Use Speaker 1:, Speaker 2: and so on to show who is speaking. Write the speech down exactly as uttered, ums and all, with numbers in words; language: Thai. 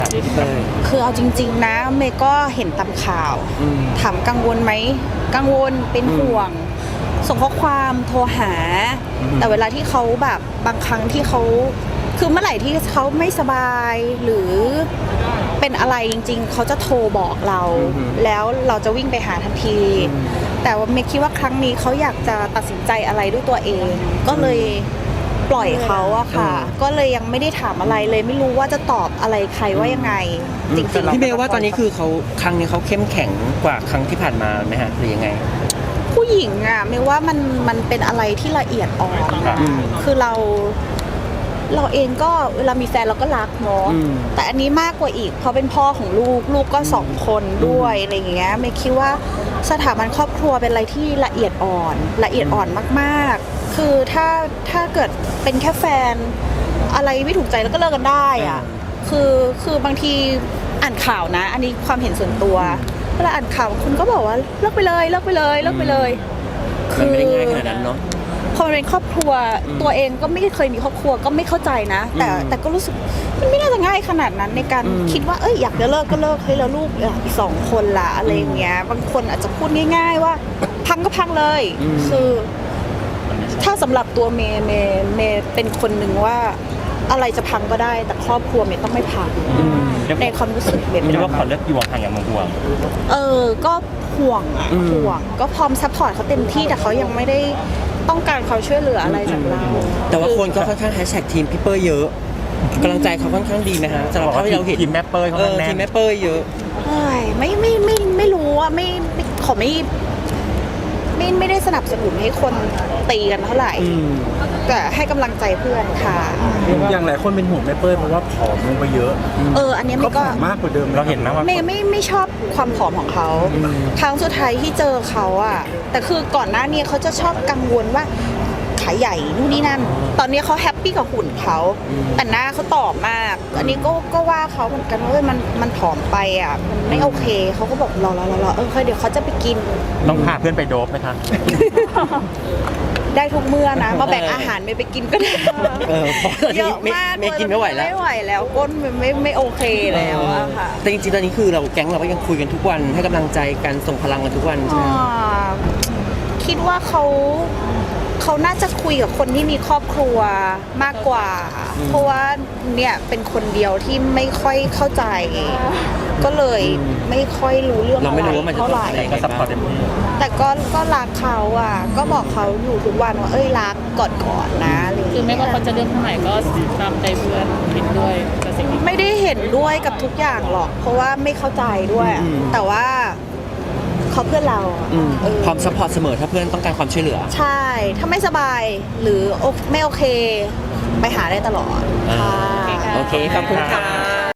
Speaker 1: พี่เต้ย
Speaker 2: คือเอาจริงๆนะเมย์ก็เห็นตามข่าวถามกังวลไหมกังวลเป็นห่วงส่งข้อความโทรหา แต่เวลาที่เขาแบบบางครั้งที่เขาคือเมื่อไหร่ที่เขาไม่สบายหรือเป็นอะไรจริงๆเขาจะโทรบอกเรา แล้วเราจะวิ่งไปหาทันที แต่ว่าเมย์คิดว่าครั้งนี้เขาอยากจะตัดสินใจอะไรด้วยตัวเอง ก็เลยปล่อยเขาอะค่ะ ก็เลยยังไม่ได้ถามอะไรเลยไม่รู้ว่าจะตอบอะไรใครว่ายังไงจริงๆ
Speaker 1: พี่เมย์ว่าตอนนี้คือเขาครั้งนี้เขาเข้มแข็งกว่าครั้งที่ผ่านมาไหมฮะหรือยังไง
Speaker 2: ผู้หญิงอะเมย์ว่ามันมันเป็นอะไรที่ละเอียดอ่อนนะคือเราเราเองก็เวลามีแฟนเราก็รักเนาะแต่อันนี้มากกว่าอีกเพราะเป็นพ่อของลูกลูกก็สองคนด้วยอะไรอย่างเงี้ยเมย์คิดว่าสถาบันครอบครัวเป็นอะไรที่ละเอียดอ่อนละเอียดอ่อนมากๆคือถ้าถ้าเกิดเป็นแค่แฟนอะไรไม่ถูกใจแล้วก็เลิกกันได้อะคือคือบางทีอ่านข่าวนะอันนี้ความเห็นส่วนตัวเวลาอ่านข่าวคุณก็บอกว่าเลิกไปเลยเลิกไปเลยเลิกไปเลย
Speaker 1: มันไม่ได้ง่ายขนาดนั้นเนาะ
Speaker 2: พอเป็นครอบครัวตัวเองก็ไม่เคยมีครอบครัวก็ไม่เข้าใจนะแต่แต่ก็รู้สึกมันไม่น่าจะง่ายขนาดนั้นในการคิดว่าเอ้ยอยากจะเลิกก็เลิกเฮ้ยแล้วลูกอีกสองคนละอะไรอย่างเงี้ยบางคนอาจจะพูดง่ายๆว่าพังก็พังเลยคือถ้าสำหรับตัวเมย์เมย์เมย์เป็นคนหนึ่งว่าอะไรจะพังก็ได้แต่ครอบครัวเมย์ต้องไม่พังในความรู้สึกเมย์
Speaker 3: ไม่ได้ว่าขอเลิกอยู่ห่างอย่างห่วง
Speaker 2: เออก็ห่วงอ่ะห่วงก็พร้อมซัพพอร์ตเขาเต็มที่แต่เขายังไม่ได้ต้องการความช่วยเหลืออะไรจากเรา
Speaker 1: แต่ว่าคนก็ค่อนข้างแฮชแท็กทีมพี่เป้ยเยอะกำลังใจเขาค่อนข้างดีไหมฮะสำหรับที่เราเห็น
Speaker 3: ทีมแม่เป้ยเขาแน่น
Speaker 1: ทีมแม่เป้ยเยอะ
Speaker 2: ไม่ไม่ไม่ไม่รู้ว่าไม่ขอไม่ไม่ไม่ได้สนับสนุนให้คนตีกันเท่าไหร่แต่ให้กำลังใจเพื่อนค่ะ
Speaker 4: อย่างหลายคนเป็นห่วงแม่เป้ยเพราะว่าผอมลงไปเยอะ
Speaker 2: เอออันนี้มันก็
Speaker 4: มากกว่าเดิม
Speaker 3: เราเห็นนะว่า
Speaker 2: ไม่ไม่ไม่ชอบความผอมของเขาครั้งสุดท้ายที่เจอเขาอะแต่คือก่อนหน้านี้เขาจะชอบกังวลว่าขาใหญ่นู่นนี่นั่นตอนนี้เขาแฮปปี้กับหุ่นเขาแต่หน้าเขาตอบมากอันนี้ก็ก็ว่าเขาเหมือนกันว่ามันมันผอมไปอ่ะมันไม่โอเคเขาก็บอกรอรอรอเออเดี๋ยวเขาจะไปกิน
Speaker 3: ต้องพาเพื่อนไปโดบไหมคะ
Speaker 2: ได้ทุกเมื่อนะมาแบ่งอาหารไม่ไปกินก็ได้
Speaker 1: เยอะมากไม่กินไม่ไหวแล้ว
Speaker 2: ไม่ไหวแล้วก้นมันไม่ไม่โอเคแล้วอะค่ะ
Speaker 1: แต่จริงๆตอนนี้คือเราแก๊งเราก็ยังคุยกันทุกวันให้กำลังใจกันส่งพลังกันทุกวันใช่ไหม
Speaker 2: คิดว่าเขาเขาน่าจะคุยกับคนที่มีครอบครัวมากกว่าเพราะว่าเนี่ยเป็นคนเดียวที่ไม่ค่อยเข้าใจก็เลยไม่ค่อยรู้เรื่องอะไรเท่าไหร่แต่ก็ก็รักเขาอ่ะก็บอกเขาอยู่ทุกวันว่าเอ้ยรักกอดก่อนนะ
Speaker 5: คือไม่ว่าเขาจะเลือกเท่าไหร่ก็ตามใจเพื่อนเห็นด้วยกับสิ่งนี้
Speaker 2: ไม่ได้เห็นด้วยกับทุกอย่างหรอกเพราะว่าไม่เข้าใจด้วยแต่ว่าเขาเพื่อนเรา
Speaker 1: พร้อมซัพพอร์ตเสมอถ้าเพื่อนต้องการความช่วยเหลือ
Speaker 2: ใช่ถ้าไม่สบายหรือไม่โอเคไปหาได้ตลอดค่ะ
Speaker 1: โอเคขอบคุณค่ะ